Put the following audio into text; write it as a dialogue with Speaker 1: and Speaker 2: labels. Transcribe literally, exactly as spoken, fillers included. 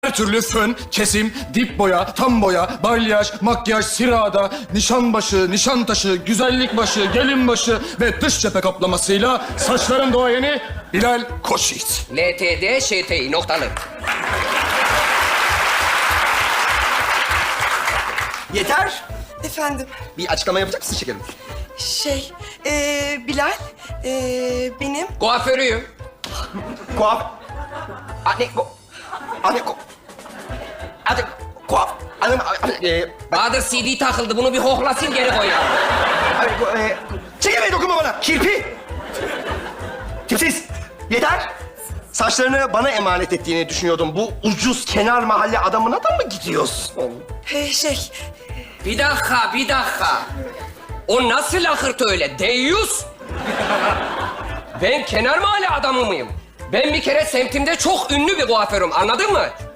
Speaker 1: Her türlü fön, kesim, dip boya, tam boya, balyaj, makyaj, sirada, nişan başı, nişan taşı, güzellik başı, gelin başı ve dış cephe kaplamasıyla saçların doğayeni Bilal Koçyiğit.
Speaker 2: L T D Ş T İ noktalı.
Speaker 3: Yeter.
Speaker 4: Efendim,
Speaker 3: Bir açıklama yapacak mısın şekerim?
Speaker 4: şey, ee, Bilal, ee, benim...
Speaker 2: Kuaförüyüm.
Speaker 3: Kuaf... Anne... Ko... Anne... Ko... Anne... Kuaf... Anne... Anne... E,
Speaker 2: Bahadır C D takıldı. Bunu bir hohlasın geri koy ya.
Speaker 3: Anne... Ko... E, çekemeyin, dokunma bana. Kirpi. Tipsiz. Yeter. Saçlarını bana emanet ettiğini düşünüyordum. Bu ucuz kenar mahalle adamına da mı gidiyorsun?
Speaker 4: Ee, şey,
Speaker 2: Bir dakika, bir dakika. O nasıl lakırt öyle? Deyyus. Ben kenar mahalle adamı mıyım? Ben bir kere semtimde çok ünlü bir kuaförüm. Anladın mı?